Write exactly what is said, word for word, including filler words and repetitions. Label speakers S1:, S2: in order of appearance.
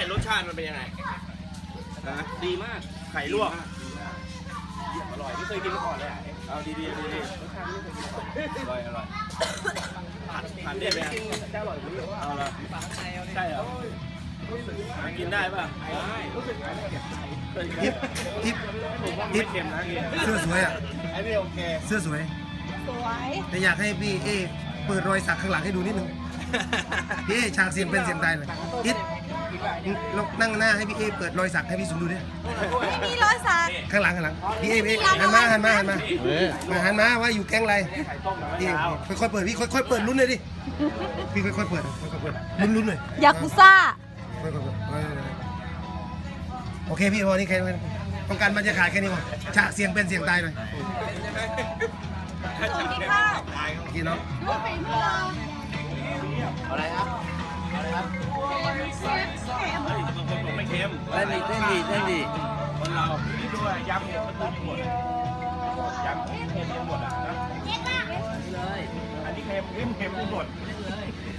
S1: รสชาติมันเป็นยังไงนะ
S2: ดีมาก
S1: ไข่ลวก
S2: เยี่ยมอร่อยไม่เคยกินมาก่อนเลยอ่ะ
S1: เอาดีๆดีๆรสชาติไม่เคยกินมาก่อนอร่อยอร่อยผัดผัดได้ไหม
S2: จะอร่อยกว่านี้
S1: เอาละใช่เหรอกินได้ป่ะได้รู้สึก
S3: ทิปทิป
S1: ผมว่าไม่เค็มนะกิน
S3: เสื้อสวยอ่ะ
S1: ไอ้นี่โอเค
S3: เสื้อสวย
S4: สวย
S3: แต่อยากให้พี่เอเปิดรอยสักข้างหลังให้ดูนิดนึงพี่เอฉากเสียงเป็นเสียงตายเลยทิปลองนั่งหน้าให้พี่เอเปิดรอยสักให้พี่สุนดูดิ
S4: ไม่มีร้อยสัก
S3: ข้างหลังข้างหลังพี่เอพี่เอหันมาหันมาหันมามาหันมาว่าอยู่แก๊งอะไรพี่ค่อยๆเปิดพี่ค่อยๆเปิดลุ้นเลยดิพี่ค่อยๆเปิดค่อยๆเปิดลุ้นๆหน่อย
S4: ยากุซ่า
S3: ค่อยๆเปิดโอเคพี่พอนี่แค่นี้ต้องการบรรยากาศแค่นี้พอฉากเสียงเป็นเสียงตายหน่อย
S4: ส่วนกินข้าว
S3: กินเนาะ
S4: ดูฝีมือเรา
S2: อะไรครับอะไรครับ
S4: เชฟแหม
S1: เฮ้ยบางคนบอกไม่เค็ม
S2: เต้นดีเต้นดีเต้นดี
S1: คนเราพี่ดูยำเนี่ยมันตุนหมดยำเค็มหมดอ่ะนะ
S4: เย็นมาก
S2: เลย
S1: อันนี้เค็มเค็มเค็มหมด